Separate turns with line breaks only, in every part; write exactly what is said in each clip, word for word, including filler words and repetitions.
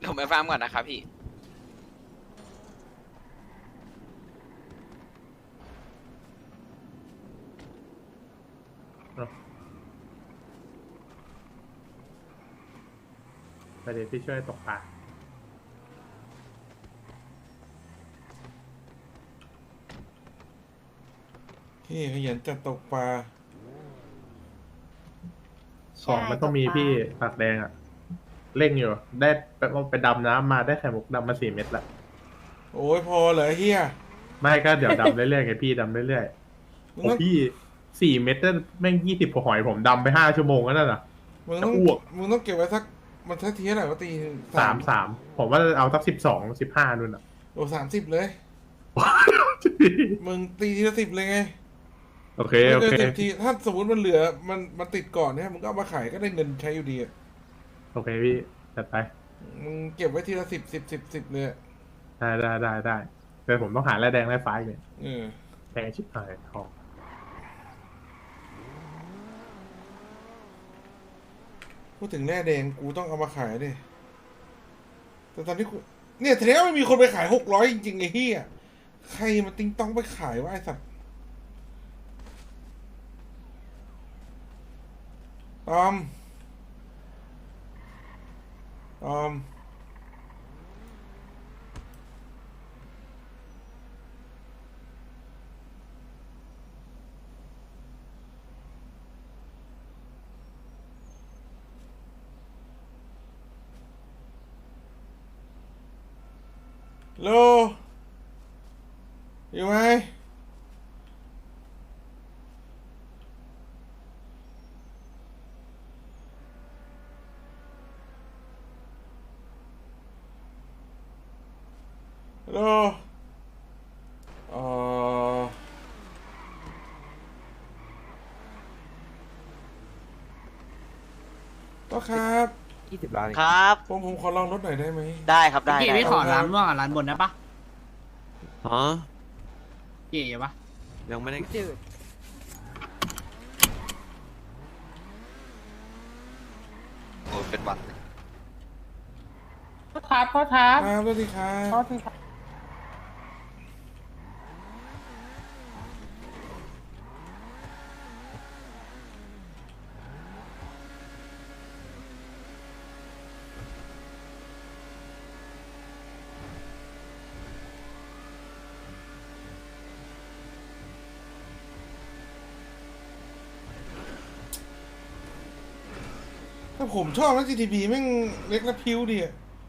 ผมไปฟาร์มก่อนนะครับพี่
ไปเดี๋ยวพี่ช่วยตกปลา
พี่ขยันจัดตกปลา
ของมันต้องมีพี่ปากแดงอ่ะเร่งอยู่ได้ไปไปดำน้ำมาได้ไข่มุกดำมาสี่เม็ดละ
โอ้ยพอเหรอเฮีย
ไม่ก็เดี๋ยวดำเรื่อยๆไงพี่ดำเรื่อยๆ
มึง
โอ้
ต้อง
พี่สี่เม็ดนั่นแม่งยี่สิบกว่าหอยผมดำไปห้าชั่วโมงแล้วนั่นน่ะ
มึงต้อง
จะอ้วก
มึงต้องเก็บไว้สักมันทักทีเท่าไหร่วะตี
สามสามผมว่าเอาสักสิบสองสิบห้านู่นอ่ะ
โอ้สามสิบเลย มึงตีทีละสิบเลยไง
โอเค
ไม่
โอ
เกิน
เค
สิบทีถ้าสมมติมันเหลือมันมันติดก่อนเนี่ยมึงก็เอามาขายก็ได้เงินใช้อยู่ดีอะ
โอเคพี่จัดไป
มึงเก็บไว้ทีละสิบสิบสิบสิบเลยอะ
ได้ได้ได้ได้แต่ผมต้องหาแร่แดงแร่ฟ้าอีกเนี่ย
เออ
แพงชิบหายทอง
พูดถึงแร่แดงกูต้องเอามาขายดิแต่ตอนนี้กูเนี่ยทีนี้ไม่มีคนไปขายหกร้อยจริงๆไอ้เหี้ยใครมาติ้งต้องไปขายวะไอ้สัตว์ตอมตอมโลอยู่ไหมโลเอ่อก็ครับ
ยี่สิบล้าน
ครับ
ผมผมขอลองรถหน่อยได้ไหม
ได้ครับได้
พี่
ได้
พี่ขอร้านม่วงกับร้านบนนะปะ
ฮะ
พี่อย่าปะ
ยังไม่ได้
โอ้เป็นหวัด
พ่อครับพ่อครับ
ครับสวัสดีครับ
พ่อพี่ครับ
ถ้าผมชอบนะ จี ที บี แม่งเล็กและพิ้วดีอะ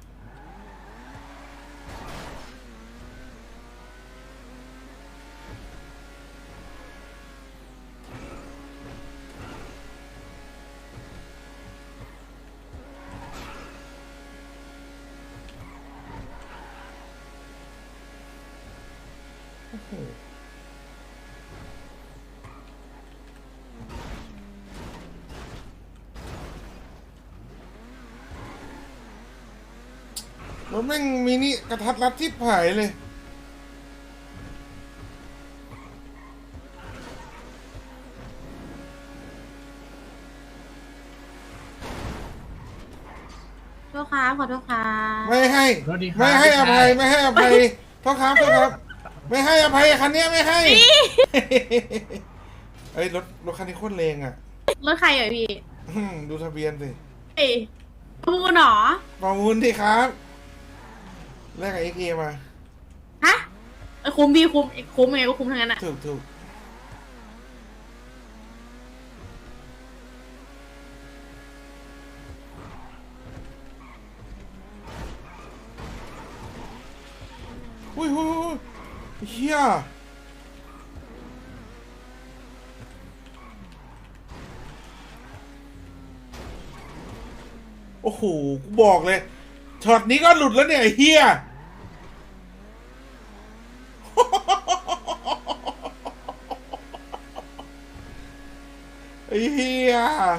โอ้โหรถแม่งมินิกระทัดรัดที่ผายเลย
โทษครับขอโทษครับ
ไม่ให้ ไม่ให้อภัย ไม่ให้อภัยโทษครับโทษครับ ไม่ให้อภัยคันเนี้ยไม่ให้เอ้ยรถรถคันนี้โคตรแรงอ่ะ
รถใครเหรอพี่
อืมดูทะเบียนสิ
เอ้ยพูดหนอ
ประมูลดิครับแลกกับเอ็กเอมา
ฮะเอ้ยคุ้มพี่คุ้มคุ้มยังไงก็คุ้มทั้งนั้นอะ
ถูกถูกอุ้ยอุ้ยอุ้ยเฮียโอ้โห กูบอกเลย ช็อตนี้ก็หลุดแล้วเนี่ยไอ้เฮียไอ้เฮีย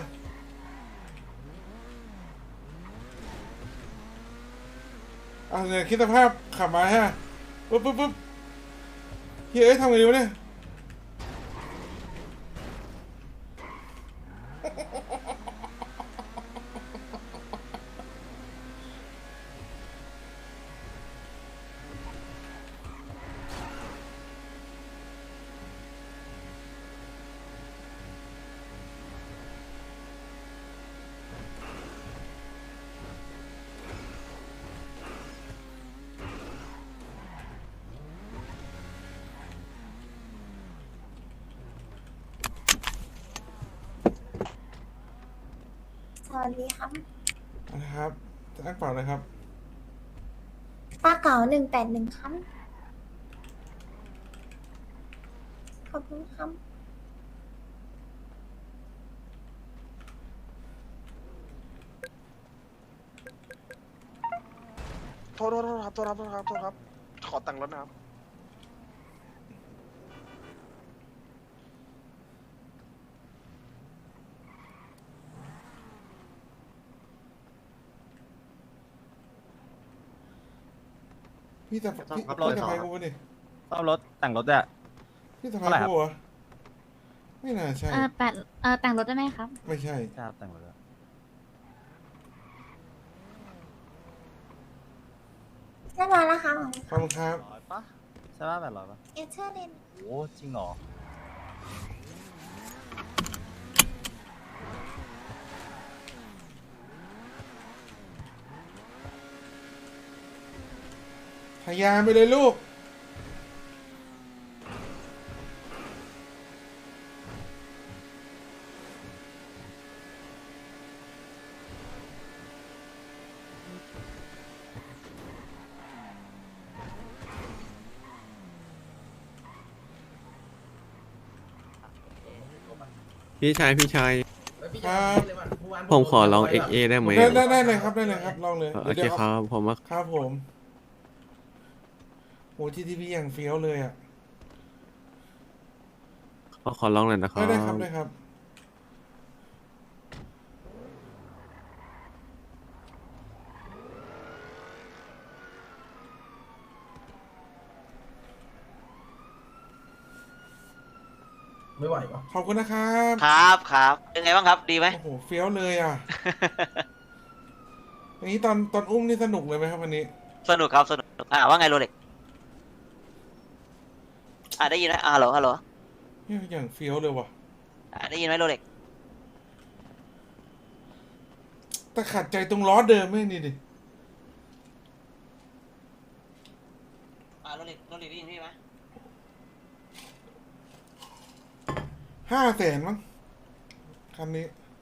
อ่ะเนี่ยคิดสภาพขับมาฮะปุ๊บปุ๊บปุ๊บเฮียเอ้ยทำไงดีวะเนี่ย
วัสดีครับ
นะครับจะอ่านเปล่านะครับ
ปลาเก๋าหนึ่งแปดหนึ่งครับ ขอบคุณครับ
โทษโทษโทษครับโทษครับโทษครับโทษครับ ขอตังค์รถนะครับ
พี่จะพี่
ครับ
พี่จะ
รถ
พายกูปะดิ
ซ่อมรถแต่งรถด้วย
พี่จะพา
เท่าไหร่
ย
ครับ
กูเหรอไม่น่าใช่
เออแปดเออแต่งรถได้ไหมครับ
ไม่ใช่
ใช่ครับแต่งรถด้วย
เรียบร้อยแล้วครับ
ขอบคุณครับ
ร้อยปะใช่ป่ะแปดร้อยปะ
เอเชอร์เลน
โอ้จริงเหรอ
พยายามไปเลยลูก
พี่ชายพี่ชาย
ครับ
ผมขอลอง เอ็กซ์ เอ ได้ไหม
ได้ได้ได้เลยครับได้เลยครับ ลองเลย
โอเคครับ ผมว่า
ครับผมโหทีทีพีอย่างเฟี้ยวเลยอ่ะ
ขอขอลองหน่อยนะครั
ได้
บ
ได้ครับได้ครับ
ไม่ไหวปะ
ขอบคุณนะครับ
ครับครับเป็นไงบ้างครับ ดีไหม
โอ้โหเฟี้ยวเลยอ่ะ อย่างนี้ตอนตอนอุ้มนี่สนุกเลยไหมครับวันนี้
สนุกครับสนุกอ่าว่าไงโรเล็กอ่าได้ยินไหมอ่าฮัลโหลฮัลโหล
เนี่ยอย่างเฟี้ยวเลยว่ะ
อ่าได้ยินไหมโรเล็ก
แต่ขัดใจตรงล้อเดิมไม่นี่ดิ
อ่าโรเล็กโรเล็กได้ยินพี่ไหม
ห้าแสนมั้งคันนี้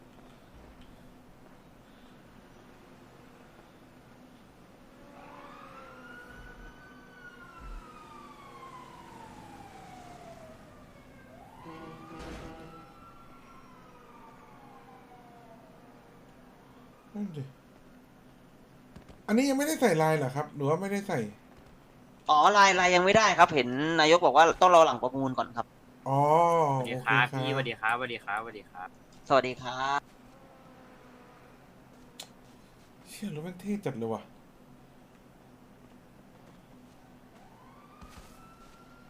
นั่นดิ อันนี้ยังไม่ได้ใส่ลายเหรอครับ หรือว่าไม่ได้ใส่
อ๋อลายลายยังไม่ได้ครับ เห็นนายกบอกว่าต้องรอหลังประมูลก่อนครับ
อ๋อ
สวัส
โอ
ดี
เค
ครับ
ครับ
พี่สวัสดีครับสวัสดีครับสวัสดีครับ
สวัสดีครับ
เชื่อรถแม่งเท่จัดเลยว่ะ